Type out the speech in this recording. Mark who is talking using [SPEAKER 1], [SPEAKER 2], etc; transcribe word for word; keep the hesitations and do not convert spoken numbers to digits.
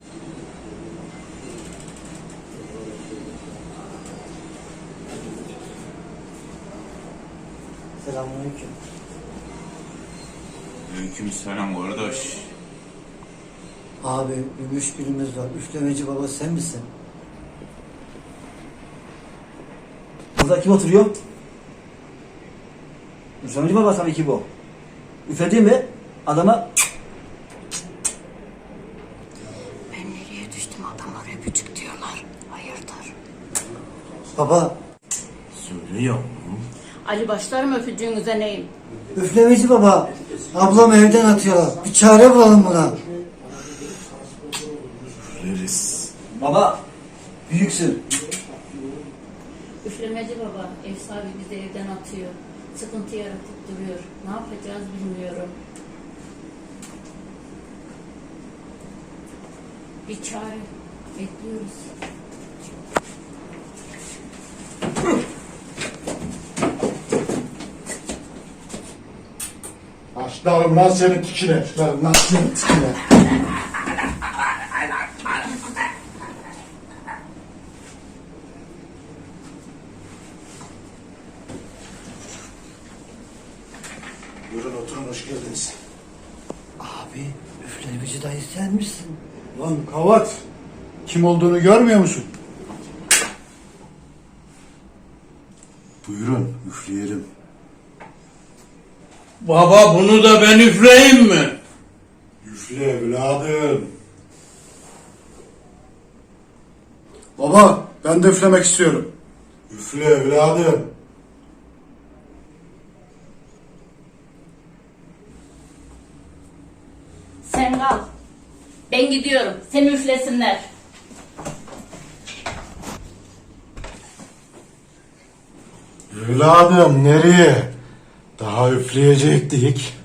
[SPEAKER 1] Selamünaleyküm.
[SPEAKER 2] Aleykümselam kardeş.
[SPEAKER 1] Abi bir müşkülümüz var. Üflemeci baba sen misin?
[SPEAKER 3] Burada kim oturuyor? Üflemeci baba tabii ki bu. Üfledi mi adama
[SPEAKER 4] Ben nereye düştüm, adamlar öpücük diyorlar. Hayırdır?
[SPEAKER 1] Baba
[SPEAKER 2] Söylüyor.
[SPEAKER 4] Ali başlar mı öpücüğünüze neyim?
[SPEAKER 1] üflemeci baba. Ablam evden atıyorlar. Bir çare bulalım buna.
[SPEAKER 2] Veririz.
[SPEAKER 3] baba büyüksün.
[SPEAKER 4] Üflemeci baba, ev sahibi bizi evden atıyor. Sıkıntı yaratıp duruyor. Ne yapacağız bilmiyorum. Bir çare bekliyoruz.
[SPEAKER 5] Başlarım lan senin tikine. Başlarım lan senin tikine. Buyurun oturun, hoş geldiniz.
[SPEAKER 1] Abi üflemeci dayı sen misin?
[SPEAKER 5] Lan kavat. Kim olduğunu görmüyor musun? Buyurun üfleyelim.
[SPEAKER 2] Baba bunu da ben üfleyeyim mi?
[SPEAKER 5] Üfle evladım. Baba ben de üflemek istiyorum. Üfle evladım.
[SPEAKER 4] Sen kal. Ben gidiyorum. Seni üflesinler.
[SPEAKER 5] Evladım nereye? Daha üfleyecektik.